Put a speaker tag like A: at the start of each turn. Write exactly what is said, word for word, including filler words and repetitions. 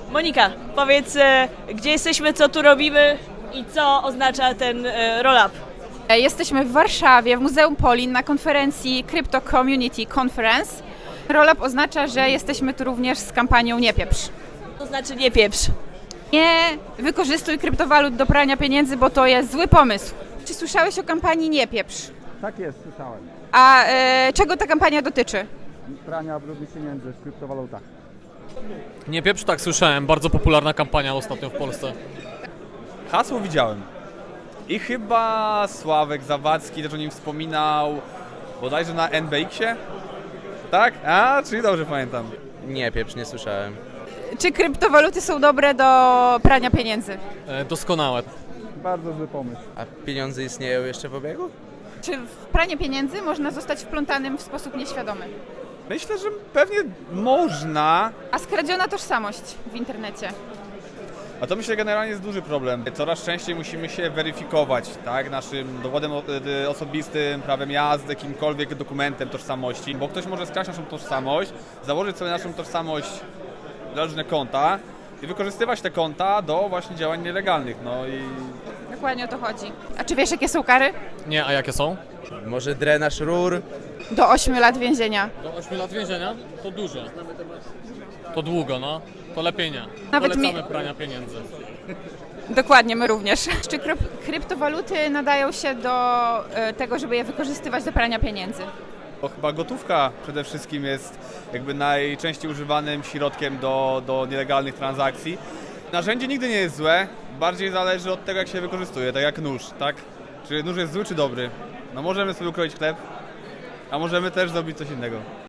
A: Monika, powiedz, e, gdzie jesteśmy, co tu robimy i co oznacza ten e, roll-up?
B: Jesteśmy w Warszawie, w Muzeum Polin na konferencji Crypto Community Conference. Rollup oznacza, że jesteśmy tu również z kampanią Nie pieprz.
A: To znaczy nie pieprz.
B: Nie wykorzystuj kryptowalut do prania pieniędzy, bo to jest zły pomysł. Czy słyszałeś o kampanii Nie pieprz?
C: Tak jest, słyszałem.
B: A e, czego ta kampania dotyczy?
C: Prania brudnych pieniędzy w kryptowalutach.
D: Nie pieprz, tak słyszałem, bardzo popularna kampania ostatnio w Polsce.
E: Hasło widziałem. I chyba Sławek Zawadzki też o nim wspominał, bodajże na N B X-ie. Tak? A, czyli dobrze pamiętam.
F: Nie, pieprz, nie słyszałem.
B: Czy kryptowaluty są dobre do prania pieniędzy?
D: E, doskonałe.
C: Bardzo zły pomysł.
F: A pieniądze istnieją jeszcze w obiegu?
B: Czy w pranie pieniędzy można zostać wplątanym w sposób nieświadomy?
E: Myślę, że pewnie można,
B: A skradziona tożsamość w internecie?
E: a to myślę generalnie jest duży problem. Coraz częściej musimy się weryfikować, tak, naszym dowodem o- y, osobistym, prawem jazdy, jakimkolwiek dokumentem tożsamości, bo ktoś może skraść naszą tożsamość, założyć sobie naszą tożsamość na różne konta i wykorzystywać te konta do właśnie działań nielegalnych, no i
B: Dokładnie o to chodzi. A czy wiesz, jakie są kary?
D: Nie, a jakie są?
F: Może drenaż rur?
B: Do ośmiu lat więzienia.
D: Do ośmiu lat więzienia? To dużo. To długo, no. To lepiej nie.
B: Nawet
D: Polecamy
B: mi-
D: prania pieniędzy.
B: Dokładnie, my również. Czy kryp- kryptowaluty nadają się do e, tego, żeby je wykorzystywać do prania pieniędzy?
E: bo chyba gotówka przede wszystkim jest jakby najczęściej używanym środkiem do, do nielegalnych transakcji. Narzędzie nigdy nie jest złe, bardziej zależy od tego, jak się wykorzystuje, tak jak nóż, tak? Czy nóż jest zły czy dobry? No możemy sobie ukroić chleb, a możemy też zrobić coś innego.